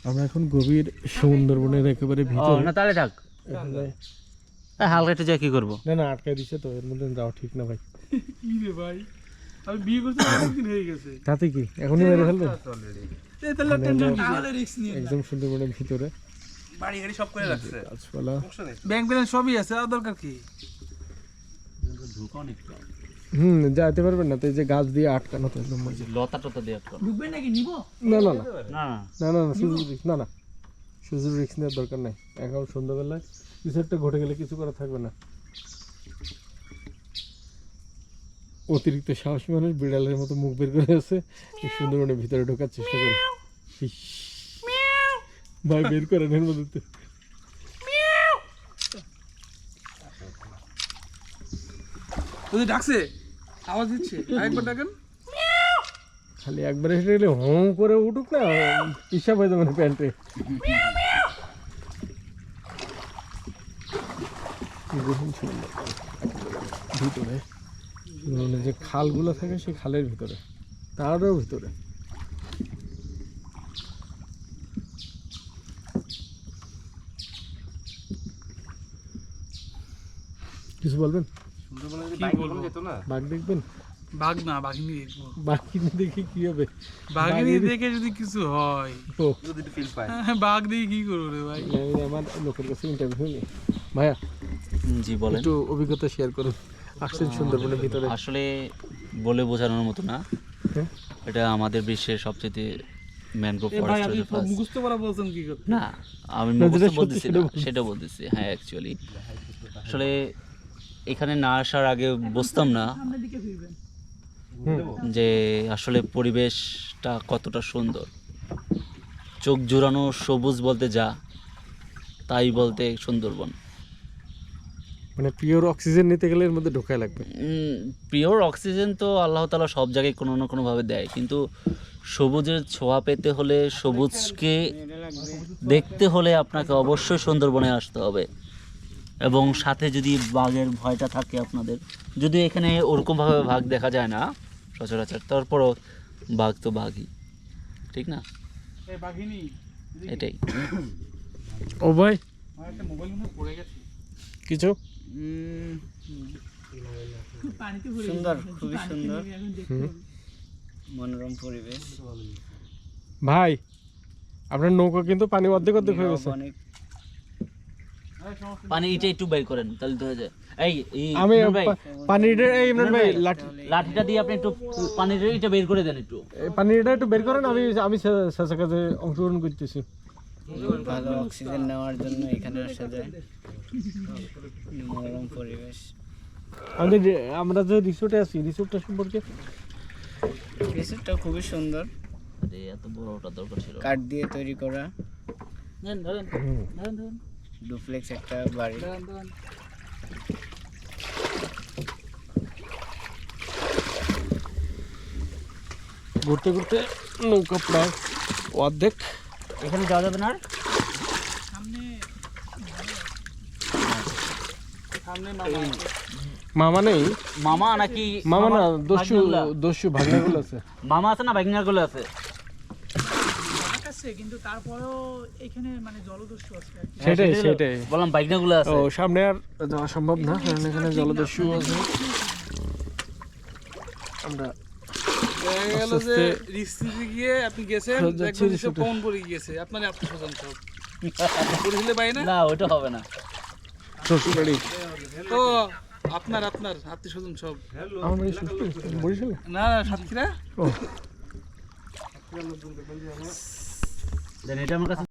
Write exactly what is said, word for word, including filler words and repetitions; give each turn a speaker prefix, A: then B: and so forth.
A: আমরা এখন গভীর সুন্দরবনের একেবারে ভিতরে।
B: না তাহলে থাক, হালকা একটু যা কি করবো।
A: না না আটকাই দিছে তো, এর মধ্যে যাওয়া ঠিক না ভাই।
C: কি রে ভাই, আমি বিয়ে করতে অনেকদিন হয়ে গেছে।
A: তাতে কি এখনই মেরে ফেলবেন?
C: এই তাহলে টেনশন তাহলে রিস্ক নিয়ে
A: একদম সুন্দরবনের ভিতরে
C: বাড়ি গাড়ি সব করে রাখছে,
A: গাছপালা,
C: ব্যাংক ব্যালেন্স সবই আছে, আর দরকার কি?
A: হুম যাইতে পারবেন না তো, এই যে গাছ দিয়ে আটকানো তো একদম মজা।
B: লতা টতা দিয়ে আটকানো।
C: ঢুকবে নাকি নিব?
A: না না না
B: না
A: না না না সুযোগ রিস্ক না না সুযোগ রিস্ক নেওয়ার দরকার নাই। এখন সন্ধ্যাবেলায় কিছু একটা ঘটে গেলে কিছু করা থাকবে না। অতিরিক্ত সাহসী মানুষ বিড়ালের মতো মুখ বের করে আছে, এই সুন্দরবনের ভিতরে ঢোকার চেষ্টা করে। ইস, ভাই বের করেন এর মধ্যে।
C: ওই ডাকছে, আওয়াজ দিচ্ছে, আরেকবার ডাকেন।
A: খালি একবারে হেঁটে গেলে হোঁ করে উঠুক না, হিসাব হয়ে যাবে না প্যান্টে। ভিতরে মানে যে খালগুলো থাকে সেই খালের ভিতরে, তারও ভিতরে কিছু বলবেন? বাঘ দেখবেন?
C: বাঘ না, বাঘিনী দেখবো।
A: বাঘিনী দেখে কি হবে?
C: বাঘিনী দেখে যদি কিছু হয়,
A: ও
C: বাঘ দেখে কি করবো রে ভাই?
A: আমি আমার লোকের কাছে ইন্টারভিউ নিই। ভাইয়া
B: জি বলেন।
A: একটু অভিজ্ঞতা শেয়ার করুন, আসছেন সুন্দরবনের ভিতরে।
B: আসলে বলে বোঝানোর মতো না,
A: হ্যাঁ?
B: এটা আমাদের বিশ্বের সবচেয়ে ম্যানগ্রোভ
C: এ ভাই,
B: ফরেস্ট
C: আপনি
B: রিজার্ভ।
C: মুখস্থ করা বলছেন কি করতে?
B: না আমি
A: না,
B: মুখস্থ
A: যেটা সত্যি
B: বলতেছি
A: সেটা
B: না,
A: বলছি।
B: সেটা বলতেছি। হ্যাঁ অ্যাকচুয়ালি আসলে এখানে না আসার আগে বুঝতাম না যে আসলে পরিবেশটা কতটা সুন্দর। চোখ জুড়ানো সবুজ বলতে যা, তাই বলতে সুন্দরবন।
A: মানে পিওর অক্সিজেন নিতে গেলে এর মধ্যে ঢোকায় লাগবে।
B: পিওর অক্সিজেন তো আল্লাহ তাআলা সব জায়গায় কোনো না কোনোভাবে দেয়, কিন্তু সবুজের ছোঁয়া পেতে হলে, সবুজকে দেখতে হলে আপনাকে অবশ্যই সুন্দরবনে আসতে হবে। এবং সাথে যদি বাঘের ভয়টা থাকে আপনাদের, যদি এখানে ওরকমভাবে বাঘ দেখা যায় না সচরাচর, তারপরও বাঘ তো বাঘই, ঠিক না?
C: এই বাঘিনী
B: এটাই।
A: ও ভাই
C: আমার একটা মোবাইল মনে হয় পড়ে গেছে।
A: কিছু
D: সুন্দর, খুবই সুন্দর, মনোরম পরিবেশ।
A: ভাই আপনার নৌকা কিন্তু পানি অর্ধেক অর্ধেক হয়ে গেছে।
D: অনেক
B: পানি এটা একটু বের করেন তাহলে তো হয়ে যায়। এই এই
A: আমি
B: ইমরান ভাই,
A: পানিটা এই ইমরান ভাই লাঠি
B: লাঠিটা দিয়ে আপনি একটু পানির এটা বের করে দেন একটু।
A: এই পানিটা একটু বের করেন, আমি আমি শেষের কাছে অংশগ্রহণ করতেছি।
D: ভালো অক্সিজেন নেওয়ার জন্য এখানে আসা যায়, মনোরম পরিবেশ।
A: আমাদের যে- আমরা যে রিসোর্টে আছি, রিসোর্টটা সম্পর্কে
D: রিসোর্টটা খুবই সুন্দর,
B: আরে এত বড় ওটা দরকার ছিল।
D: কাঠ দিয়ে তৈরি করা,
B: নেন ধরেন ধরেন ধরেন
D: ডুপ্লেক্স একটা বাড়ি।
B: ধরেন ধরেন।
A: ঘুরতে ঘুরতে নৌকা প্রায় অর্ধেক।
B: এখানে যাওয়া যাবে না আর?
C: সামনে সামনে
A: মামা নেই,
B: মামা নাকি
A: মামা না
B: মামার
A: দস্যু
B: ভাগ্নেগুলা?
A: দস্যু ভাগনাগুলো আছে।
B: মামা আছে না ভাগ্নাগুলো আছে?
C: আছে, কিন্তু তারপরেও এখানে মানে জলদস্যু আছে আর কি।
A: সেটাই
B: হ্যাঁ,
A: সেটাই
B: বললাম ভাগ্নাগুলো আছে।
A: ও সামনে আর যাওয়া সম্ভব না, কারণ এখানে জলদস্যু আছে। আমরা
C: দেখা গেল যে রিস্তিতে গিয়ে আপনি গেছেন,
A: যাচ্ছি
C: দেখবেন যে
A: রিসোর্টে।
C: পৌন পড়ে গিয়েছে, আপনার আত্মস্বজন সব পরিচিলে পাই না।
B: না ওটা হবে না।
A: শ্বশুর বাড়ি,
C: তো আপনার আপনার আত্মীয় স্বজন সব,
A: আমার বাড়ি শ্বশুর বরিশালে।
C: না না সাতক্ষীরা।
A: ও
B: দেন এটা আমার কাছে